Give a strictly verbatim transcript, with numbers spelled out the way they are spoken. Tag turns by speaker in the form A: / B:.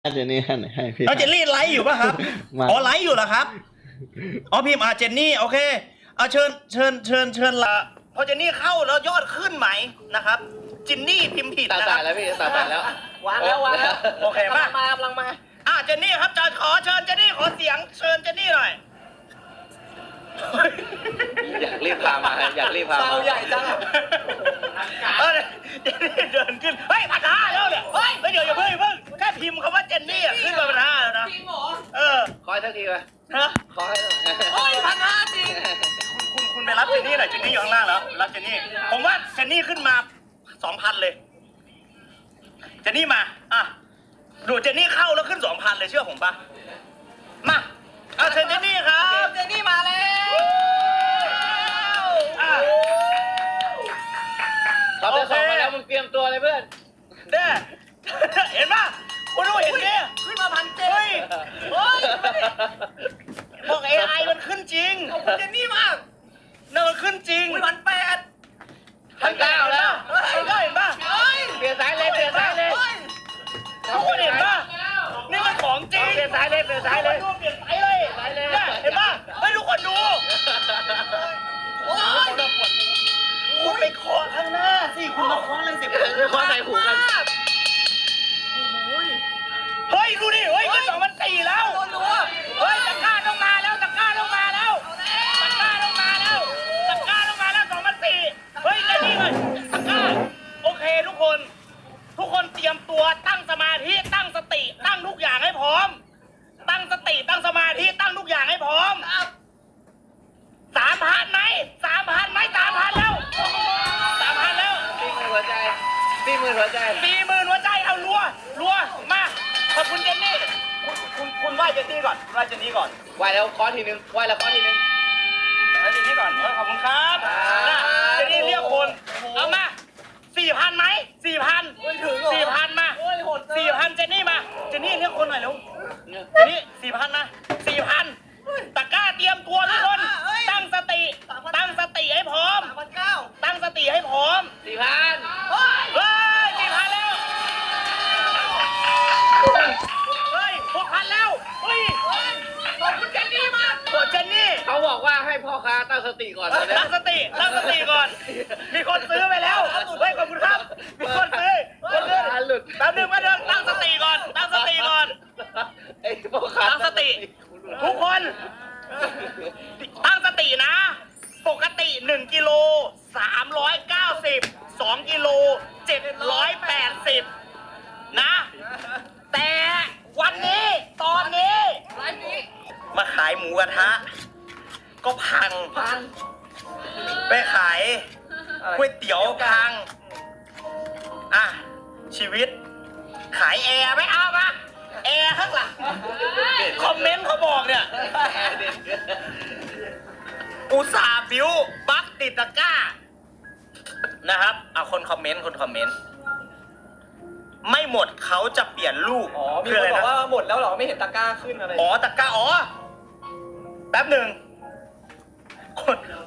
A: เจนนี่ให้หน่อยให้พี่
B: เอาเจนนี่ไลฟ์อยู่ป่ะครับ
A: มา
B: อ๋อไลฟ์อยู่เหรอครับอ๋อพิมพ์อาเจนนี่โอเคเอาเชิญเชิญเชิญเชิญละพอเจนนี่เข้าแล้วยอดขึ้นไหมนะครับจินนี่พิมพ์ผิด
C: ตา
B: นะค
C: ตา
B: รับ
C: แล้วพี่ตาตาแล้ว
D: วางแล้ววางแล้ว
B: โอเคมาก
D: ำลังมากำลังมา
B: อ่ะเจนนี่ครับจะขอเชิญเจนนี่ขอเสียงเชิญเจนนี่หน่อย
C: อยากรีบพามาอยากรีบพา
D: เตา
C: มา
D: ใหญ่จังอะ
B: เออเจนนี่เดินขึ้นเฮ้ยพันห้าแล้วเนี่ยเฮ้ยเดี๋ยวอย่าเพิ่งอย่าเพิ่งแค่พิมพ์คำว่าเจนนี่อะขึ้นมาพันห้าแล้วนะ
D: จริงเหรอ
B: เออ
C: คอยสักทีไป
B: ฮะ
C: คอย
D: โอ้ยพันห้าจริง
B: คุณคุณไปรับเจนนี่หน่อยเจนนี่อยู่ข้างล่างแล้วรับเจนนี่ผมว่าเจนนี่ขึ้นมาสองพันเลยเจนนี่มาอ่ะดูเจนนี่เข้าแล้วขึ้นสองพันเลยเชื่อผมปะมาเอาเชิญเจนนี่ครับ
D: เจนนี่มาแล้ว
B: อ่ะ
C: เขาจะส่งมาแล้วมึงเตรียมตัวเลยเพื่อน
B: เด้เห็นปะคุณดูเห็นดิ
D: ขึ้นมาพันเจ็ด
B: เฮ้ย
D: เฮ้ย
B: บอกเอไอมันขึ้นจริง
D: ขอบคุณเจนนี่มาก
B: นั่นมันขึ้นจริง
D: อุ้ยพันแปด
C: พันเก้าแล้ว
B: พันเก้าเห็นปะ
D: เฮ้ย
C: เปลี่ยนสายเลยเปลี่ยนสายเลย
D: เฮ้ย
B: ทุกคนเห็นปะนี่มันของจริง
C: เปลี่ยนสายเลยเปลี่ยนสายเลย
B: ดูเปลี่ยนสายเลย
C: สายเลย
B: เนี่ยเห็นปะเฮ้ยทุกคนดู
D: โอ้ย
B: คุณไปเคาะข้างหน้าสิคุณมาเคาะอะไรสิ
C: ไม่คว้าใส่หูกัน
B: เฮ้ยดูดิเฮ้ยขึ้นสองพันสี่แล้ว
D: โดนรัว
B: เฮ้ยตะกร้าต้องมาแล้วตะกร้าต้องมาแล้วตะกร้าต้องมาแล้วตะกร้าต้องมาแล้วสองพันสี่เฮ้ยใจนี่เลยตะกร้าโอเคทุกคน ทุกคนเตรียมตัวตั้งสมาธิตั้งสติตั้งทุกอย่างให้พร้อม ตั้งสติตั้งสมาธิตั้งทุกอย่างให้พร้อมสามพันไหมสามพันไหมสามพันแล้วสามพันแล้ว
C: ตีมือหัวใจตีมือหัวใจ
B: สี่หมื่นหัวใจเอารัวรัวมาขอบคุณเจนนี่คุณคุณคุณไหว้เจนนี่ก่อนไหว้เจนนี่ก่อน
C: ไหวแล้วคอทีนึงไหวแล้วคอทีนึง
B: ไหว้เจนนี่ก่อนเออขอบคุณครับ
C: ครับ
B: นะเจนนี่เรียกคนเอามาสี่พันไหมสี่พัน
D: ไม่ถึงเหรอ
B: สี่พันมา
D: โอ้ยโหดเกิน
B: สี่พันเจนนี่มาเจนนี่เรียกคนหน่อยเร็วเจนนี่สี่พันนะสี่พันตะกร้าเตรียมตัวทุกคนตั้งสติตั้งสติให้พร้อม
D: สามพันเก้า
B: ตั้งสติให้พร้อม
C: สี่พัน
D: เฮ้ย
B: เฮ้ยสี่พันแล้ว เฮ้ยหกพันแล้ว เฮ้ย
D: ขอบคุณเจนนี่มาก
B: โคเจนนี่
C: เขาบอกว่าให้พ่อค้าตั้งสติก่อนเลยนะ
B: ตั้งสติ ตั้งสติก่อน มีคนซื้อไปแล้ว เฮ้ย ขอบคุณครับ มีคนซื้อคนซื้อ
C: หลุด
B: แป๊บนึงแป๊บนึงตั้งสติก่อน ตั้งสติก่อน
C: ไอ้พ่อค้า
B: ตั้งสติ ทุกคน ตั้งสตินะ ปกติหนึ่งกิโลสามร้อยเก้าสิบ สองกิโลเจ็ดร้อยแปดสิบนะ แต่วันนี้ตอนนี้
D: ไลฟ์นี้
B: มาขายหมูกระทะ ก็พัง
D: พัน
B: ไปขายก๋วยเตี๋ยวพัง อ่ะ ชีวิต ขายแอร์ไม่เอามาแอร์ข้างหลังคอมเมนต์เขาบอกเนี่ย อุตส่าห์บิวบัคติดตะกร้า นะครับเอาคนคอมเมนต์คนคอมเมนต์ ไม่หมดเขาจะเปลี่ยนลูก
D: อ๋อ มี
B: คื
D: คน
B: อะไร
D: บอก
B: นะ
D: ว่าหมดแล้วเหรอ ไม่เห็นตะกร้าขึ้นอะไร
B: อ๋อตะกร้าอ๋อ แป๊บหนึ่งคน